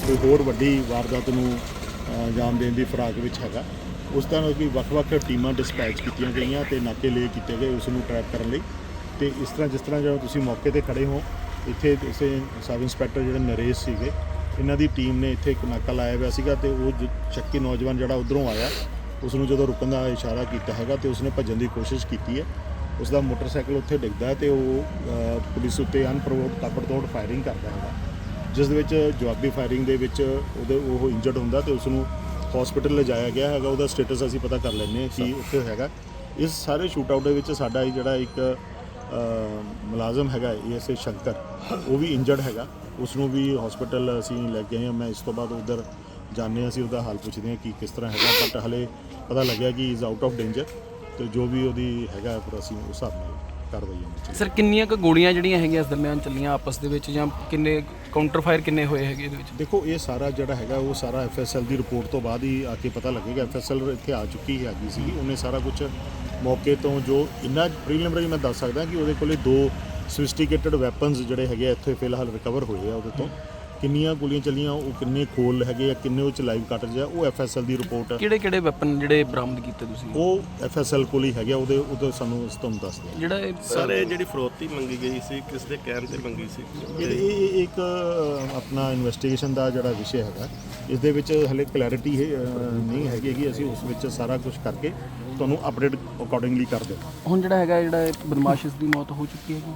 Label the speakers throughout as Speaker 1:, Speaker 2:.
Speaker 1: ਕੋਈ ਹੋਰ ਵੱਡੀ ਵਾਰਦਾਤ ਨੂੰ ਅੰਜਾਮ ਦੇਣ ਦੀ ਫਿਰਾਕ ਵਿੱਚ ਹੈਗਾ। ਉਸ ਤਰ੍ਹਾਂ ਕਿ ਵੱਖ-ਵੱਖ ਟੀਮਾਂ ਡਿਸਪੈਚ ਕੀਤੀਆਂ ਗਈਆਂ ਤੇ ਨਾਕੇ ਲਏ ਕੀਤੇ ਗਏ ਉਸ ਨੂੰ ਟਰੈਪ ਕਰਨ ਲਈ। ਤੇ ਇਸ ਤਰ੍ਹਾਂ ਜਿਸ ਤਰ੍ਹਾਂ ਜਦੋਂ ਤੁਸੀਂ ਮੌਕੇ ਤੇ ਖੜੇ ਹੋ, ਇੱਥੇ ਇਸੇ ਸਬ ਇੰਸਪੈਕਟਰ ਜਿਹੜੇ ਨਰੇਸ਼ ਸੀਗੇ, ਇਹਨਾਂ ਦੀ ਟੀਮ ਨੇ ਇੱਥੇ ਇੱਕ ਨਾਕਾ ਲਾਇਆ ਹੋਇਆ ਸੀਗਾ ਤੇ ਉਹ ਸ਼ੱਕੀ ਨੌਜਵਾਨ ਜਿਹੜਾ ਉੱਧਰੋਂ ਆਇਆ ਉਸ ਨੂੰ ਜਦੋਂ ਰੁਕਣ ਦਾ ਇਸ਼ਾਰਾ ਕੀਤਾ ਹੈਗਾ ਤੇ ਉਸਨੇ ਭੱਜਣ ਦੀ ਕੋਸ਼ਿਸ਼ ਕੀਤੀ ਹੈ। ਉਸ ਦਾ ਮੋਟਰਸਾਈਕਲ ਉੱਥੇ ਡਿੱਗਦਾ ਤੇ ਉਹ ਪੁਲਿਸ ਉੱਤੇ ਅਨਪ੍ਰੋਵੋਕਡ ਤਾਬੜਤੋੜ ਫਾਇਰਿੰਗ ਕਰਦਾ ਹੈਗਾ, ਜਿਸ ਦੇ ਵਿੱਚ ਜਵਾਬੀ ਫਾਇਰਿੰਗ ਦੇ ਵਿੱਚ ਉਹ ਇੰਜਰਡ ਹੁੰਦਾ ਤੇ ਉਸ ਨੂੰ ਹਸਪੀਟਲ ਲਿਜਾਇਆ ਗਿਆ ਹੈਗਾ। ਉਹਦਾ ਸਟੇਟਸ ਅਸੀਂ ਪਤਾ ਕਰ ਲੈਂਦੇ ਹਾਂ ਕਿ ਉੱਥੇ ਹੈਗਾ। ਇਸ ਸਾਰੇ ਸ਼ੂਟ ਆਊਟ ਦੇ ਵਿੱਚ ਸਾਡਾ ਜਿਹੜਾ ਇੱਕ ਮੁਲਾਜ਼ਮ ਹੈਗਾ ASA ਸ਼ੰਕਰ, ਉਹ ਵੀ ਇੰਜਰਡ ਹੈਗਾ। ਉਸ ਨੂੰ ਵੀ ਹਸਪੀਟਲ ਅਸੀਂ ਲੈ ਗਏ ਹਾਂ। ਮੈਂ ਇਸ ਤੋਂ ਬਾਅਦ ਉੱਧਰ ਜਾਂਦੇ ਹਾਂ, ਅਸੀਂ ਉਹਦਾ ਹਾਲ ਪੁੱਛਦੇ ਹਾਂ ਕਿ ਕਿਸ ਤਰ੍ਹਾਂ ਹੈਗਾ, ਬਟ ਹਲੇ ਪਤਾ ਲੱਗਿਆ ਕਿ ਇਜ਼ ਆਊਟ ਆਫ ਡੇਂਜਰ ਤੇ ਜੋ ਵੀ ਉਹਦੀ ਹੈਗਾ ਪਰ ਅਸੀਂ ਉਸ ਹਿਸਾਬ ਨਾਲ ਕਾਰਵਾਈ ਕਰਾਂਗੇ।
Speaker 2: ਸਰ ਕਿੰਨੀਆਂ ਕੁ ਗੋਲੀਆਂ ਜਿਹੜੀਆਂ ਹੈਗੀਆਂ ਇਸ ਦਰਮਿਆਨ ਚੱਲੀਆਂ ਆਪਸ ਦੇ ਵਿੱਚ, ਜਾਂ ਕਿੰਨੇ ਕਾਊਂਟਰ ਫਾਇਰ ਕਿੰਨੇ ਹੋਏ ਹੈਗੇ ਇਹਦੇ ਵਿੱਚ?
Speaker 1: ਦੇਖੋ ਇਹ ਸਾਰਾ ਜਿਹੜਾ ਹੈਗਾ ਉਹ ਸਾਰਾ FSL ਦੀ ਰਿਪੋਰਟ ਤੋਂ ਬਾਅਦ ਹੀ ਆ ਕੇ ਪਤਾ ਲੱਗੇਗਾ। FSL ਇੱਥੇ ਆ ਚੁੱਕੀ ਹੈਗੀ ਸੀ, ਉਹਨੇ ਸਾਰਾ ਕੁਝ ਮੌਕੇ ਤੋਂ ਜੋ ਇੰਨਾ ਪ੍ਰੀਲਿਮਿਨਰੀ ਮੈਂ ਦੱਸ ਸਕਦਾ ਕਿ ਉਹਦੇ ਕੋਲੇ 2 ਸੋਫਿਸਟੀਕੇਟਡ ਵੈਪਨਸ ਜਿਹੜੇ ਹੈਗੇ ਇੱਥੇ ਫਿਲਹਾਲ ਰਿਕਵਰ ਹੋਏ ਆ। ਉਹਦੇ ਤੋਂ ਕਿੰਨੀਆਂ ਗੋਲੀਆਂ ਚੱਲੀਆਂ, ਉਹ ਕਿੰਨੇ ਖੋਲ ਹੈਗੇ ਆ, ਕਿੰਨੇ ਉਹ 'ਚ ਲਾਈਵ ਕਾਰਟ੍ਰਿਜ ਆ, ਉਹ FSL ਦੀ ਰਿਪੋਰਟ।
Speaker 2: ਕਿਹੜੇ ਵੈਪਨ ਜਿਹੜੇ ਬਰਾਮਦ ਕੀਤੇ ਤੁਸੀਂ?
Speaker 1: ਉਹ FSL ਕੋਲ ਹੀ ਹੈਗੇ, ਉਹਦੇ ਸਾਨੂੰ ਤੁਹਾਨੂੰ ਦੱਸ ਦਿਆਂ।
Speaker 2: ਜਿਹੜਾ
Speaker 3: ਸਰ ਇਹ ਜਿਹੜੀ ਫਰੋਤੀ ਮੰਗੀ ਗਈ ਸੀ, ਕਿਸ ਦੇ ਕਹਿਣ ਤੇ ਮੰਗੀ ਸੀ?
Speaker 1: ਇਹ ਇੱਕ ਆਪਣਾ ਇਨਵੈਸਟੀਗੇਸ਼ਨ ਦਾ ਜਿਹੜਾ ਵਿਸ਼ੇ ਹੈਗਾ, ਇਸ ਦੇ ਵਿੱਚ ਹਲੇ ਕਲੈਰਿਟੀ ਨਹੀਂ ਹੈਗੀ ਕਿ ਅਸੀਂ ਉਸ ਵਿੱਚ ਸਾਰਾ ਕੁਝ ਕਰਕੇ ਤੁਹਾਨੂੰ ਅਪਡੇਟ ਅਕੋਰਡਿੰਗਲੀ ਕਰ ਦਿਓ।
Speaker 2: ਹੁਣ ਜਿਹੜਾ ਬਦਮਾਸ਼ ਇਸ ਦੀ ਮੌਤ ਹੋ ਚੁੱਕੀ ਹੈਗੀ?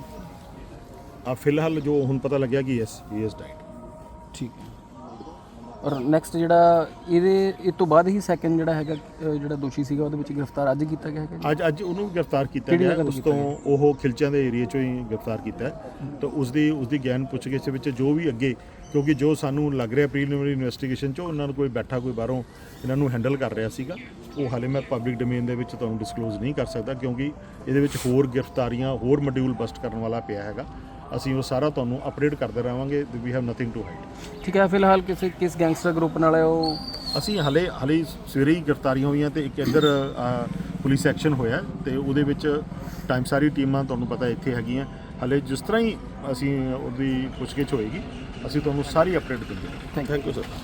Speaker 1: ਫਿਲਹਾਲ ਜੋ ਹੁਣ ਪਤਾ ਲੱਗਿਆ ਕਿ ਯੈਸ ਹੀ ਇਜ਼ ਡੈਡ।
Speaker 2: ਠੀਕ ਹੈ। ਔਰ ਨੈਕਸਟ ਜਿਹੜਾ ਇਹ ਤੋਂ ਬਾਅਦ ਹੀ ਸੈਕੰਡ ਜਿਹੜਾ ਹੈਗਾ ਜਿਹੜਾ ਦੋਸ਼ੀ ਸੀਗਾ ਉਹਦੇ ਵਿੱਚ ਗ੍ਰਿਫਤਾਰ ਅੱਜ ਕੀਤਾ ਗਿਆ ਹੈਗਾ?
Speaker 1: ਅੱਜ ਉਹਨੂੰ ਗ੍ਰਿਫਤਾਰ ਕੀਤਾ ਗਿਆ। ਉਸ ਤੋਂ ਉਹ ਖਿਲਚਿਆਂ ਦੇ ਏਰੀਆ 'ਚੋਂ ਹੀ ਗ੍ਰਿਫਤਾਰ ਕੀਤਾ ਤਾਂ ਉਸਦੀ ਗਿਆਨ ਪੁੱਛਗਿੱਛ ਵਿੱਚ ਜੋ ਵੀ ਅੱਗੇ, ਕਿਉਂਕਿ ਜੋ ਸਾਨੂੰ ਲੱਗ ਰਿਹਾ ਪ੍ਰੀਲਿਮਿਨਰੀ ਇਨਵੈਸਟੀਗੇਸ਼ਨ 'ਚ ਉਹਨਾਂ ਨੂੰ ਕੋਈ ਬੈਠਾ ਕੋਈ ਬਾਹਰੋਂ ਇਹਨਾਂ ਨੂੰ ਹੈਂਡਲ ਕਰ ਰਿਹਾ ਸੀਗਾ, ਉਹ ਹਾਲੇ ਮੈਂ ਪਬਲਿਕ ਡੋਮੇਨ ਦੇ ਵਿੱਚ ਤੁਹਾਨੂੰ ਡਿਸਕਲੋਜ਼ ਨਹੀਂ ਕਰ ਸਕਦਾ ਕਿਉਂਕਿ ਇਹਦੇ ਵਿੱਚ ਹੋਰ ਗ੍ਰਿਫਤਾਰੀਆਂ, ਹੋਰ ਮੋਡਿਊਲ ਬਸਟ ਕਰਨ ਵਾਲਾ ਪਿਆ ਹੈਗਾ। ਅਸੀਂ ਉਹ ਸਾਰਾ ਤੁਹਾਨੂੰ ਅਪਡੇਟ ਕਰਦੇ ਰਹਾਂਗੇ। We have nothing to hide.
Speaker 2: ਠੀਕ ਹੈ। ਫਿਲਹਾਲ ਕਿਸ ਗੈਂਗਸਟਰ ਗਰੁੱਪ ਨਾਲ ਹੈ ਉਹ?
Speaker 1: ਅਸੀਂ ਹਲੇ ਸਵੇਰੇ ਹੀ ਗ੍ਰਿਫਤਾਰੀਆਂ ਹੋਈਆਂ ਤੇ ਇੱਕ ਇੱਧਰ ਪੁਲਿਸ ਐਕਸ਼ਨ ਹੋਇਆ ਤੇ ਉਹਦੇ ਵਿੱਚ ਟਾਈਮ ਸਾਰੀ ਟੀਮਾਂ ਤੁਹਾਨੂੰ ਪਤਾ ਇੱਥੇ ਹੈਗੀਆਂ। ਹਲੇ ਜਿਸ ਤਰ੍ਹਾਂ ਹੀ ਅਸੀਂ ਉਹਦੀ ਪੁੱਛਗਿੱਛ ਹੋਏਗੀ ਅਸੀਂ ਤੁਹਾਨੂੰ ਸਾਰੀ ਅਪਡੇਟ ਦਿੰਦੇ ਹਾਂ।
Speaker 2: Thank you sir.